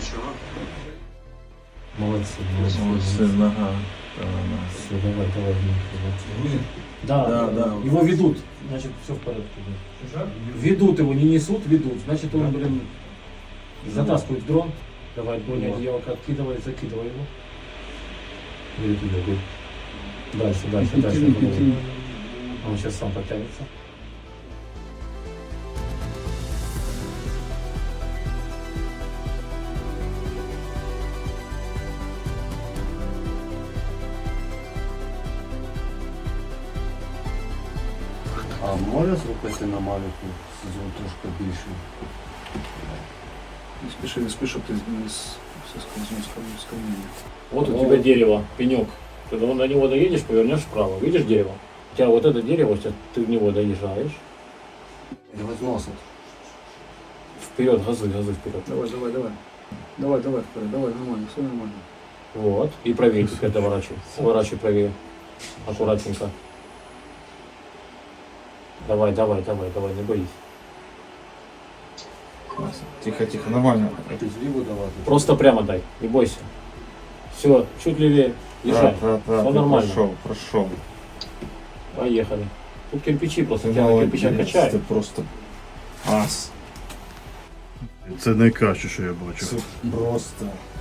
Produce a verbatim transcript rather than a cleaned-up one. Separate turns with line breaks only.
Ничего.
Молодцы, молодцы.
Молодцы, нога.
Все, давай, давай. Молодцы. Да,
Да, да.
его ведут, значит, все в порядке. Да. Ведут его, не несут, ведут. Значит, он, блин, затаскивает в дрон. Давай, Боня, одеялко откидывай, закидывай его. Или туда, говорит. Дальше, дальше, дальше. Он сейчас сам подтянется.
А може зробити на малюку сезон трошки більше?
Не спеши, не спеши, ты все скользнул с камня.
Вот у тебя дерево, пенек. Когда на него доедешь, повернешь вправо. Видишь дерево? У тебя вот это дерево, сейчас ты в него доезжаешь.
Його зносить.
Вперед, газуй, газуй вперед.
Давай, давай, давай. Давай, давай, вперед, давай, нормально, все нормально.
Вот. И правее теперь доворачивай. Сворачивай правее. Аккуратненько. Давай, давай, давай, давай, не боись.
Тихо, тихо, нормально.
Ти зліву давати.
Просто прямо дай, не бойся. Все, чуть левее. Езжай.
Да, да,
Все
ты
нормально.
Прошел, прошел.
Поехали. Тут кирпичи просто,
Ты
тебя на
молодец,
кирпичах качает.
ты просто ас.
Це найкраще, що я бачив.
Це просто